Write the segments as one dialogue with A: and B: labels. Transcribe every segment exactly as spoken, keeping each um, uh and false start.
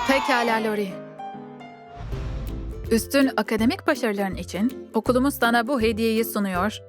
A: Pekala Lori. Üstün akademik başarıların için okulumuz sana bu hediyeyi sunuyor.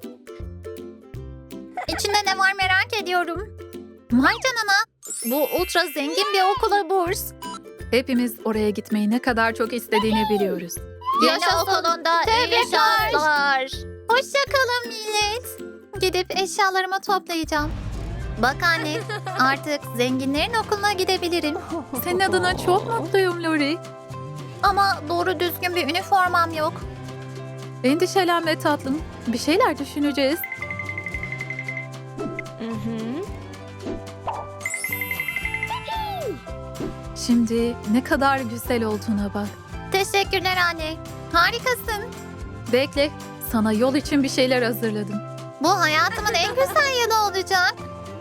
B: İçinde ne var merak ediyorum. Vay canına. Bu ultra zengin bir okula burs.
A: Hepimiz oraya gitmeyi ne kadar çok istediğini biliyoruz.
B: Yeni okulunda iyi şanslar. Hoşça kalın millet. Gidip eşyalarımı toplayacağım. Bak anne, artık zenginlerin okuluna gidebilirim.
A: Senin adına çok mutluyum Lori.
B: Ama doğru düzgün bir üniformam yok.
A: Endişelenme tatlım. Bir şeyler düşüneceğiz. Şimdi ne kadar güzel olduğuna bak.
B: Teşekkürler anne. Harikasın.
A: Bekle, sana yol için bir şeyler hazırladım.
B: Bu hayatımın en güzel yanı olacak.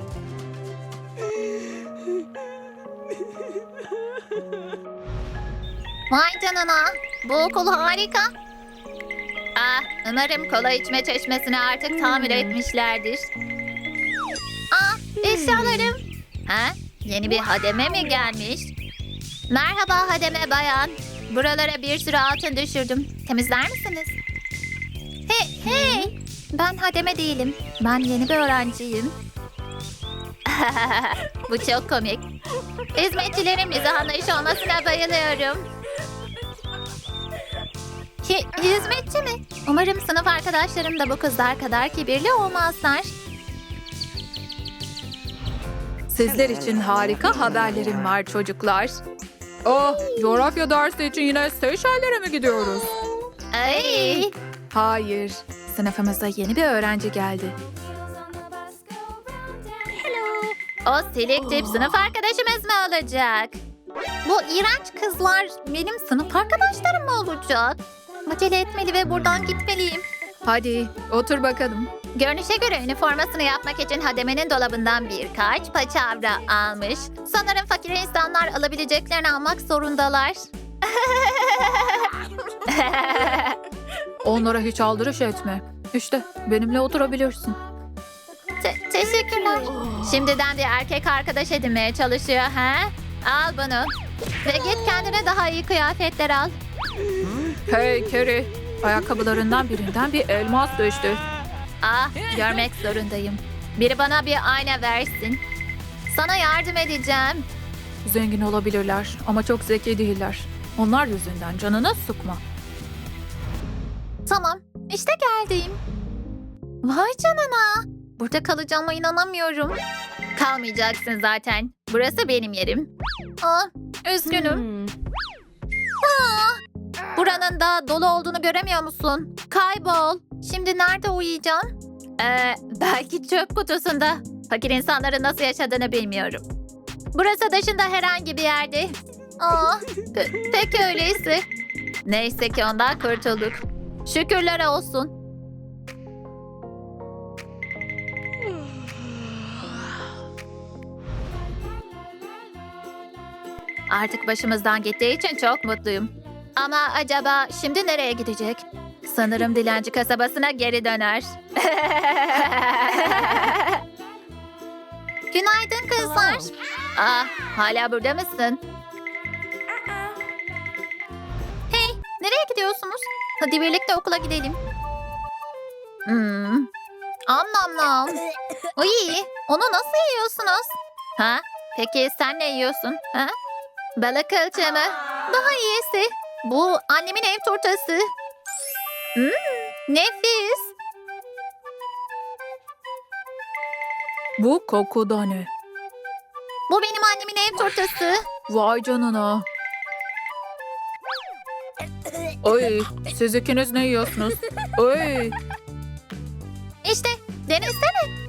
B: Vay canına. Bu okul harika. Ah, umarım kola içme çeşmesini artık tamir etmişlerdir. Ah, eşyalarım. Ha? Yeni bir hademe mi gelmiş? Merhaba hademe bayan. Buralara bir sürü altın düşürdüm. Temizler misiniz? Hey, hey. Ben hademe değilim. Ben yeni bir öğrenciyim. Bu çok komik. Hizmetçilerin bize anlayış olmasına bayılıyorum. Hi- hizmetçi mi? Umarım sınıf arkadaşlarım da bu kızlar kadar kibirli olmazlar.
A: Sizler için harika haberlerim var çocuklar. Oh, coğrafya dersi için yine Seyşeller'e mi gidiyoruz?
B: Ay.
A: Hayır, sınıfımıza yeni bir öğrenci geldi.
B: O silik tip sınıf arkadaşımız mı olacak? Bu iğrenç kızlar benim sınıf arkadaşlarım mı olacak? Acele etmeli ve buradan gitmeliyim.
A: Hadi, otur bakalım.
B: Görünüşe göre üniformasını yapmak için hademenin dolabından birkaç paçavra almış. Sanırım fakir insanlar alabileceklerini almak zorundalar.
A: Onlara hiç aldırış etme. İşte benimle oturabilirsin.
B: Te- teşekkürler. Şimdiden bir erkek arkadaş edinmeye çalışıyor ha? Al bunu. Ve git kendine daha iyi kıyafetler al.
A: Hey Carrie, ayakkabılarından birinden bir elmas düştü.
B: Ah, görmek zorundayım. Biri bana bir ayna versin. Sana yardım edeceğim.
A: Zengin olabilirler ama çok zeki değiller. Onlar yüzünden canını sıkma.
B: Tamam, işte geldim. Vay canına. Burada kalacağıma inanamıyorum. Kalmayacaksın zaten. Burası benim yerim. Aa, üzgünüm. Aa, buranın da dolu olduğunu göremiyor musun? Kaybol. Şimdi nerede uyuyacağım? Ee, belki çöp kutusunda. Fakir insanların nasıl yaşadığını bilmiyorum. Burası dışında herhangi bir yerde. Aa, pe- peki öyleyse. Neyse ki ondan kurtulduk. Şükürler olsun. Artık başımızdan gittiği için çok mutluyum. Ama acaba şimdi nereye gidecek? Sanırım dilenci kasabasına geri döner. Günaydın kızlar. Ah, hala burada mısın? Hey, nereye gidiyorsunuz? Hadi birlikte okula gidelim. Hmm. Am nam nam. Uy, onu nasıl yiyorsunuz? Ha? Peki sen ne yiyorsun? Ha? Balık kılçığı mı? Daha iyisi. Bu annemin ev turtası. Hmm, nefis.
A: Bu koku da ne?
B: Bu benim annemin ev turtası.
A: Vay canına. Oy, siz ikiniz ne yiyorsunuz? Oy,
B: İşte denesene.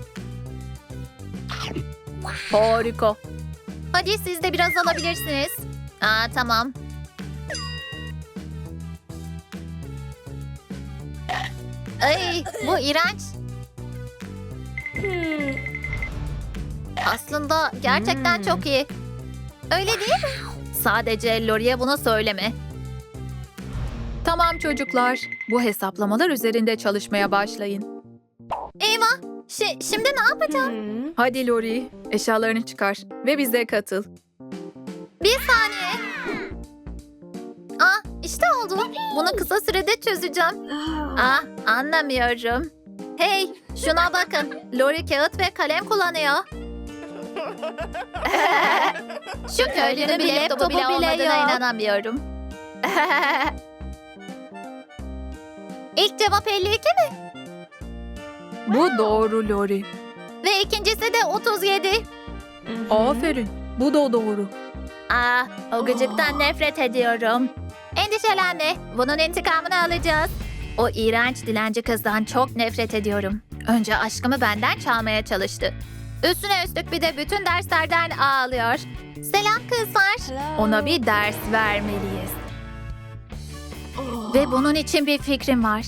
A: harika.
B: Hadi siz de biraz alabilirsiniz. Aa, tamam. Ay, bu iğrenç. Aslında gerçekten çok iyi. Öyle değil mi? Sadece Lori'ye bunu söyleme.
A: Tamam çocuklar, bu hesaplamalar üzerinde çalışmaya başlayın.
B: Eyvah. Şi- şimdi ne yapacağım?
A: Hadi Lori, eşyalarını çıkar ve bize katıl.
B: Bir saniye. bunu kısa sürede çözeceğim. Ah, anlamıyorum. Hey, şuna bakın. Lori kağıt ve kalem kullanıyor. Şu köylünün bir laptopu bile olmadığına inanamıyorum. İlk cevap elli iki mi?
A: Bu doğru Lori.
B: Ve ikincisi de otuz yedi.
A: Aferin. Bu da doğru.
B: Ah, o gıcıktan nefret ediyorum. Endişelenme, bunun intikamını alacağız. O iğrenç dilenci kızdan çok nefret ediyorum. Önce aşkımı benden çalmaya çalıştı. Üstüne üstlük bir de bütün derslerden ağlıyor. Selam kızlar. Ona bir ders vermeliyiz. Ve bunun için bir fikrim var.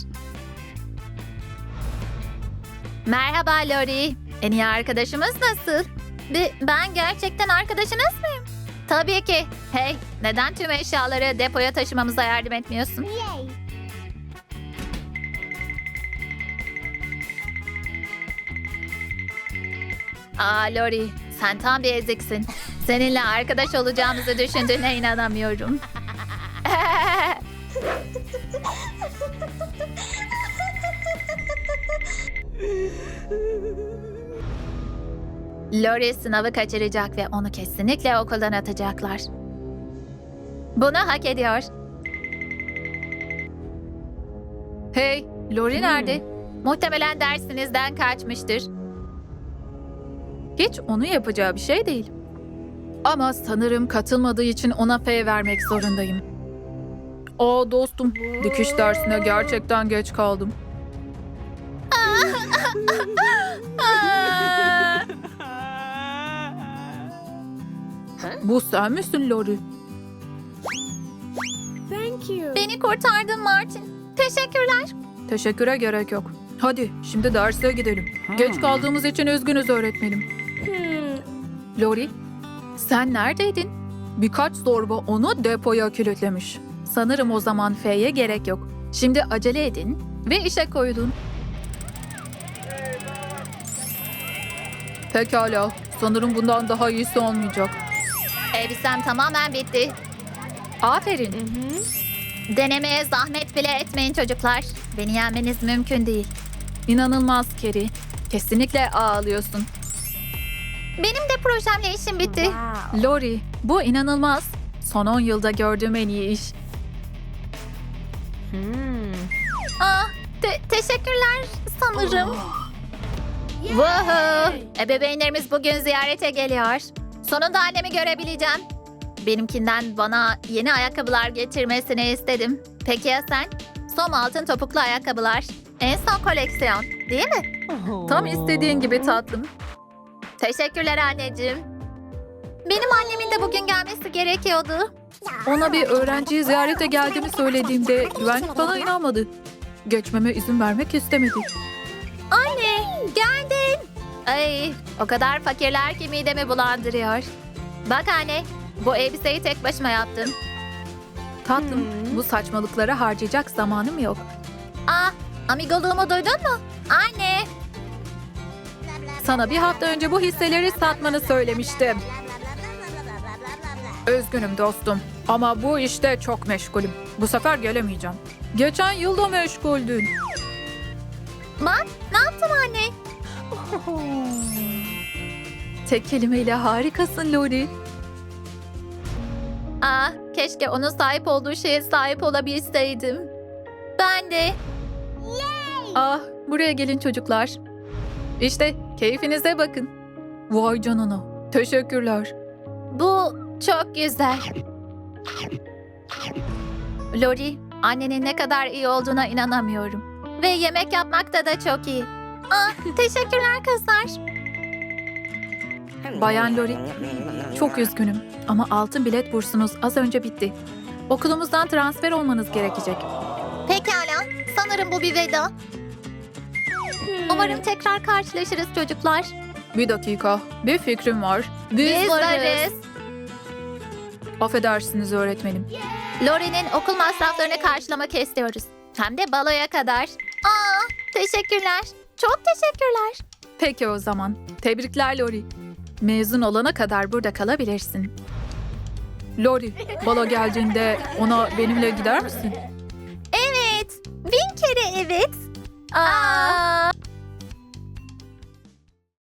B: Merhaba Lori. En iyi arkadaşımız nasıl? Bi- ben gerçekten arkadaşınız mıyım? Tabii ki. Hey, neden tüm eşyaları depoya taşımamıza yardım etmiyorsun? Aa Lori, sen tam bir eziksin. Seninle arkadaş olacağımızı düşündüğüne inanamıyorum. Lori sınavı kaçıracak ve onu kesinlikle okuldan atacaklar. Bunu hak ediyor.
A: Hey, Lori nerede?
B: Muhtemelen dersinizden kaçmıştır.
A: Hiç onu yapacağı bir şey değil. Ama sanırım katılmadığı için ona F vermek zorundayım. Aa dostum, dikiş dersine gerçekten geç kaldım. Bu sen misin Lori?
B: Beni kurtardın Martin. Teşekkürler.
A: Teşekküre gerek yok. Hadi şimdi derse gidelim. Geç kaldığımız için üzgünüz öğretmenim. Lori, sen neredeydin? Birkaç zorba onu depoya kilitlemiş. Sanırım o zaman F'ye gerek yok. Şimdi acele edin ve işe koyulun. Pekala, sanırım bundan daha iyisi olmayacak.
B: Elbisem tamamen bitti.
A: Aferin.
B: Denemeye zahmet bile etmeyin çocuklar. Beni yenmeniz mümkün değil.
A: İnanılmaz Keri. Kesinlikle ağlıyorsun.
B: Benim de projemle işim bitti.
A: Lori, bu inanılmaz. Son on yılda gördüğüm en iyi iş.
B: Ah, te- teşekkürler sanırım. Woohoo! Ebeveynlerimiz bugün ziyarete geliyor. Sonunda annemi görebileceğim. Benimkinden bana yeni ayakkabılar getirmesini istedim. Peki ya sen? Som altın topuklu ayakkabılar. En son koleksiyon, değil mi?
A: Tam istediğin gibi tatlım.
B: Teşekkürler anneciğim. Benim annemin de bugün gelmesi gerekiyordu.
A: Ona bir öğrenciyi ziyarete geldiğimi söylediğimde güvenlik bana inanmadı. Geçmeme izin vermek istemedi.
B: Anne, geldin. Ay, o kadar fakirler ki midemi bulandırıyor. Bak anne, bu elbiseyi tek başıma yaptım.
A: Tatlım, bu saçmalıklara harcayacak zamanım yok.
B: Ah, amigoluğumu duydun mu? Anne.
A: Sana bir hafta önce bu hisseleri satmanı söylemiştim. Üzgünüm dostum ama bu işte çok meşgulüm. Bu sefer gelemeyeceğim. Geçen yılda meşguldün.
B: Bak, ne yaptım anne?
A: Tek kelimeyle harikasın Lori.
B: Ah, keşke onun sahip olduğu şeye sahip olabilseydim. Ben de.
A: Ah, buraya gelin çocuklar. İşte keyfinize bakın. Vay canına. Teşekkürler.
B: Bu çok güzel. Lori, annenin ne kadar iyi olduğuna inanamıyorum. Ve yemek yapmakta da çok iyi. Ah, teşekkürler kızlar.
A: Bayan Lori, çok üzgünüm ama altın bilet bursunuz az önce bitti. Okulumuzdan transfer olmanız gerekecek.
B: Pekala, sanırım bu bir veda. Umarım tekrar karşılaşırız çocuklar.
A: Bir dakika, bir fikrim var.
B: Biz varız.
A: Affedersiniz öğretmenim.
B: Lori'nin okul masraflarını karşılamak istiyoruz. Hem de baloya kadar. Aa, teşekkürler. Çok teşekkürler.
A: Peki o zaman. Tebrikler Lori. Mezun olana kadar burada kalabilirsin. Lori, balo geldiğinde ona benimle gider misin?
B: Bin kere evet. Aa,